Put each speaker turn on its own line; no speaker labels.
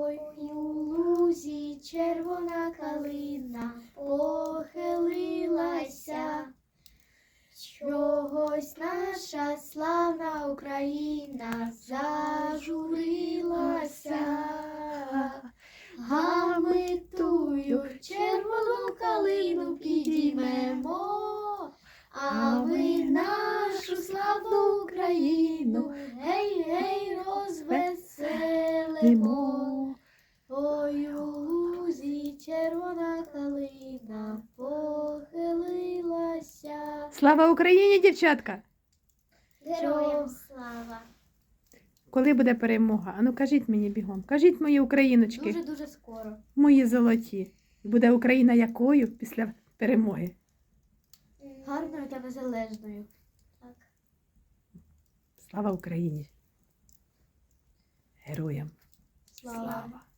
Ой, у лузі червона калина похилилася, чогось наша славна Україна зажурилася. А ми тую червону калину підіймемо, а ми нашу славну Україну гей, гей, розвеселимо. Ой, у лузі червона калина похилилася.
Слава Україні, дівчатка!
Героям слава!
Коли буде перемога? Ану, кажіть мені бігом. Кажіть, мої україночки,
Дуже-дуже скоро.
мої золоті. Буде Україна якою після перемоги?
Гарною та незалежною. Так.
Слава Україні! Героям!
Слава.